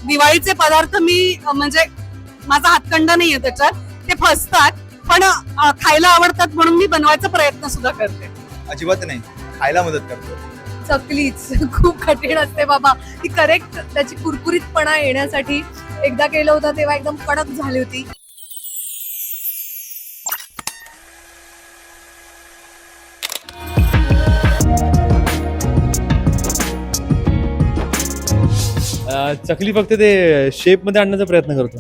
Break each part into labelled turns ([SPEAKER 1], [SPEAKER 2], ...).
[SPEAKER 1] दिवाळीचे पदार्थ मी म्हणजे माझा हातखंडा नाहीये त्याच्यात, ते फसतात पण खायला आवडतात म्हणून मी बनवायचा प्रयत्न सुद्धा करते.
[SPEAKER 2] अजिबात नाही, खायला मदत करतो.
[SPEAKER 3] चकलीच खूप कठीण असते बाबा, ती करेक्ट त्याची कुरकुरीतपणा येण्यासाठी एकदा केलं होतं तेव्हा एकदम कडक झाली होती.
[SPEAKER 4] चकली फक्त ते शेप मध्ये आणण्याचा प्रयत्न करतो,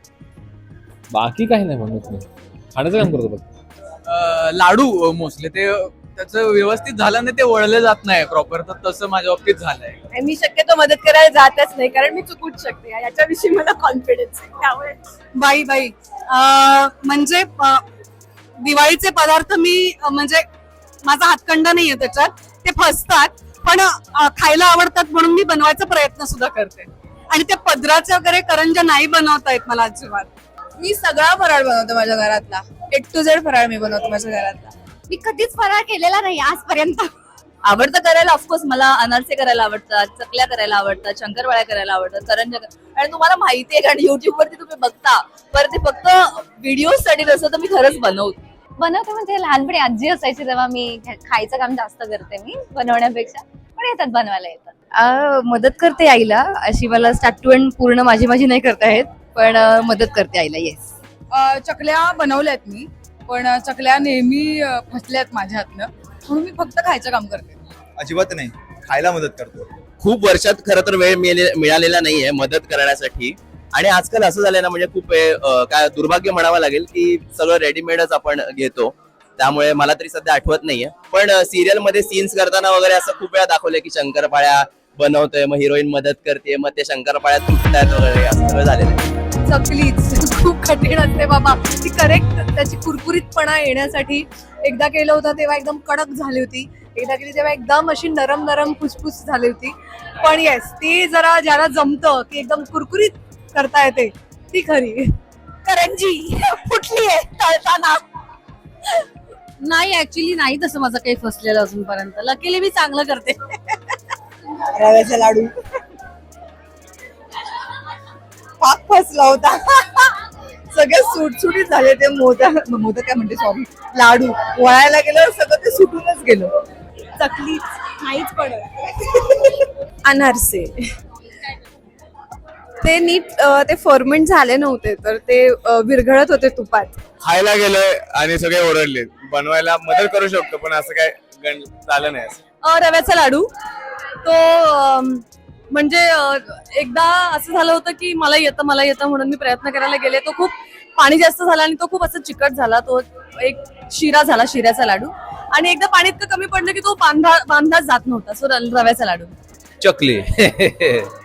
[SPEAKER 4] बाकी काही नाही म्हणत मी. खाण्याचं काम करतो फक्त.
[SPEAKER 5] लाडू मोस्टली ते त्याचं व्यवस्थित झालं नाही, ते वळले जात नाही प्रॉपर, तर तसं माझ्या बाबतीत झालंय.
[SPEAKER 3] आणि मी शक्यतो मदत करायला जातच नाही कारण मी चुकूच शकते याच्याविषयी मला कॉन्फिडन्स आहे. त्यामुळे
[SPEAKER 1] बाई बाई म्हणजे दिवाळीचे पदार्थ मी म्हणजे माझा हातखंडा नाहीये त्याच्यात, ते फसतात पण खायला आवडतात म्हणून मी बनवायचा प्रयत्न सुद्धा करते. आणि त्या पदराचे वगैरे करंजा नाही बनवता येत मला अजिबात.
[SPEAKER 3] मी सगळा फराळ बनवतो माझ्या घरातला, A to Z फराळ मी बनवतो माझ्या घरातला.
[SPEAKER 6] मी कधीच फराळ केलेला नाही आजपर्यंत.
[SPEAKER 7] आवडतं करायला, ऑफकोर्स मला अनारसे करायला आवडतात, चकल्या करायला आवडतात, शंकरपाळ्या करायला आवडतात, करंजा. आणि तुम्हाला माहिती आहे कारण युट्यूब वरती तुम्ही बघता, पर ते फक्त व्हिडिओ साठी नसतं, तर मी खरंच
[SPEAKER 6] बनवते म्हणजे लहानपणी आजी असायची तेव्हा मी खायचं काम जास्त करते मी बनवण्यापेक्षा, पण येतात बनवायला येतात.
[SPEAKER 3] मदत करते आईला, अशी मला स्टार्ट टू एंड पूर्ण माझी नाही करता येत, पण मदत करते आईला. येस.
[SPEAKER 8] चकल्या बनवल्यात मी, पण चकल्या नेहमी फसल्यात माझ्या हातनं, म्हणून मी फक्त खायचं काम करते.
[SPEAKER 2] अजिबात नाही, खायला मदत करतो.
[SPEAKER 9] खूप वर्षात खरं तर वेळ मिळालेला नाहीये मदत करण्यासाठी. आणि आजकाल असं झालंय ना, म्हणजे खूप काय दुर्भाग्य म्हणावं लागेल की सगळं रेडीमेडच आपण घेतो, त्यामुळे मला तरी सध्या आठवत नाहीये. पण सिरियल मध्ये सीन्स करताना वगैरे असं खूप वेळा दाखवलंय की शंकरपाळ्या बनवतोय, मग हिरोईन मदत करते, मग ते शंकरपाळ्या तुटतात वगैरे, असं सगळं झालेलं आहे.
[SPEAKER 3] चकलीच खूप कठीण असते बाबा, ती करेक्ट त्याची कुरकुरीतपणा येण्यासाठी एकदा केलं होतं तेव्हा एकदम कडक झाली होती, एकदा केली तेव्हा एकदम अशी नरम नरम फुसफुस झाली होती. पण येस, ती जरा ज्याला जमतं की एकदम कुरकुरीत करता येते ती खरी.
[SPEAKER 1] करंजी फुटली आहे तळताना.
[SPEAKER 7] नाही, ऍक्च्युली नाही तसं माझं काही फसलेलं अजूनपर्यंत. लकीली मी चांगलं करते.
[SPEAKER 8] रव्याचा लाडू पाक फसला होता. सगळे सुटसुटीत झाले ते मोदक काय म्हणते, सॉरी, लाडू वळायला गेलं, सगळं ते सुटूनच गेलं.
[SPEAKER 3] चकलीच नाहीच पडत. अनारसे ते नीट ते फर्मेंट झाले नव्हते, तर ते विरघळत होते तुपात.
[SPEAKER 10] खायला गेलोय आणि सगळे ओरडले. बनवायला मदत करू शकतो पण असं काय झालं नाही. असं
[SPEAKER 3] रव्याचा लाडू तो म्हणजे एकदा असं झालं होतं की मला येतं म्हणून मी प्रयत्न करायला गेले, तो खूप पाणी जास्त झाला आणि तो खूप असं चिकट झाला, तो एक शिरा झाला, शिऱ्याचा लाडू. आणि एकदा पाणी इतकं कमी पडलं की तो बांधलाच जात नव्हता. सो रव्याचा लाडू.
[SPEAKER 5] चकली